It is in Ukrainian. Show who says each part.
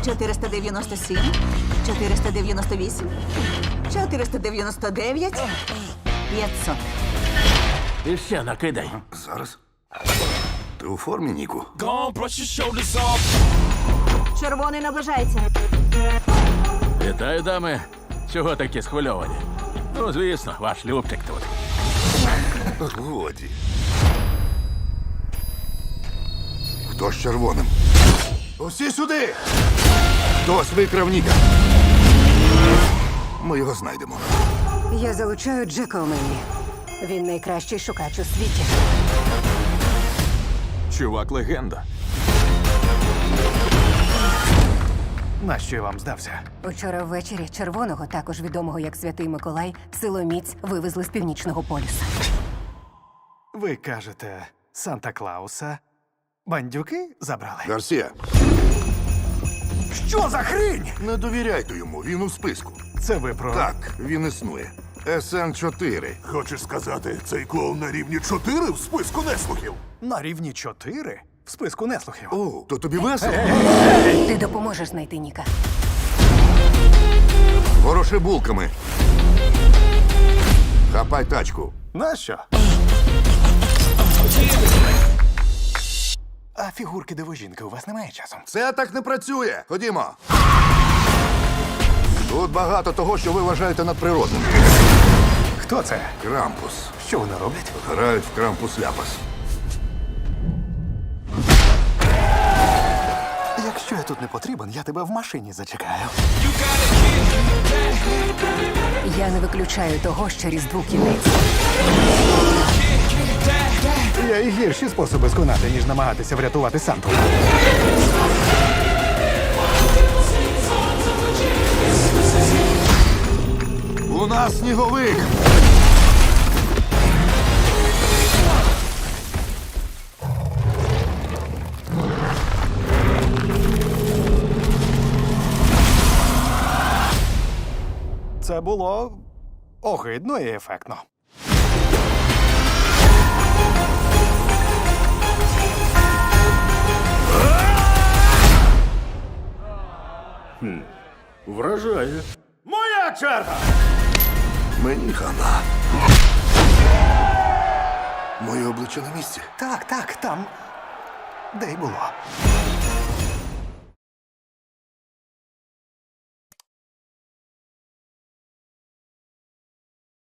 Speaker 1: 497, 498, 499, 500.
Speaker 2: І ще накидай.
Speaker 3: Зараз. Ти у формі, Ніку?
Speaker 4: Gone, brush your shoulders off.
Speaker 1: Червоний наближається.
Speaker 2: Вітаю, дами. Чого такі схвильовані? Ну, звісно, ваш Любчик тут.
Speaker 3: Годі. Хто з червоним? Усі сюди! Хтось викрав Ніка. Ми його знайдемо.
Speaker 5: Я залучаю Джека Омені. Він найкращий шукач у світі.
Speaker 4: Чувак легенда.
Speaker 6: Нащо я вам здався?
Speaker 5: Учора ввечері червоного, також відомого як Святий Миколай, силоміць вивезли з північного полюса.
Speaker 6: Ви кажете, Санта-Клауса бандюки забрали?
Speaker 3: Гарсія,
Speaker 6: Що за хрінь?
Speaker 3: не довіряйте йому, він у списку.
Speaker 6: Це ви про...
Speaker 3: Так, він існує. СН-4.
Speaker 7: Хочеш сказати, цей клоун на рівні 4 в списку неслухів?
Speaker 6: На рівні 4 в списку неслухів.
Speaker 3: О, то тобі весело?
Speaker 5: Ти допоможеш знайти Ніка.
Speaker 3: Вороши булками. Хапай тачку.
Speaker 6: Нащо? А фігурки дивожінки у вас немає часу?
Speaker 3: Це так не працює. Ходімо. Тут багато того, що ви вважаєте надприродним.
Speaker 6: Хто це?
Speaker 3: Крампус.
Speaker 6: Що вони роблять?
Speaker 3: Грають в крампус-ляпас.
Speaker 6: Якщо я тут не потрібен, я тебе в машині зачекаю.
Speaker 5: Я не виключаю того, що Різдву кінець.
Speaker 6: Є і гірші способи сконати, ніж намагатися врятувати Санту.
Speaker 3: У нас сніговик.
Speaker 6: Це було огидно і ефектно.
Speaker 2: Вражає.
Speaker 4: Моя черга!
Speaker 3: Мені хана. Моє обличчя на місці.
Speaker 6: Так, там. Де й було.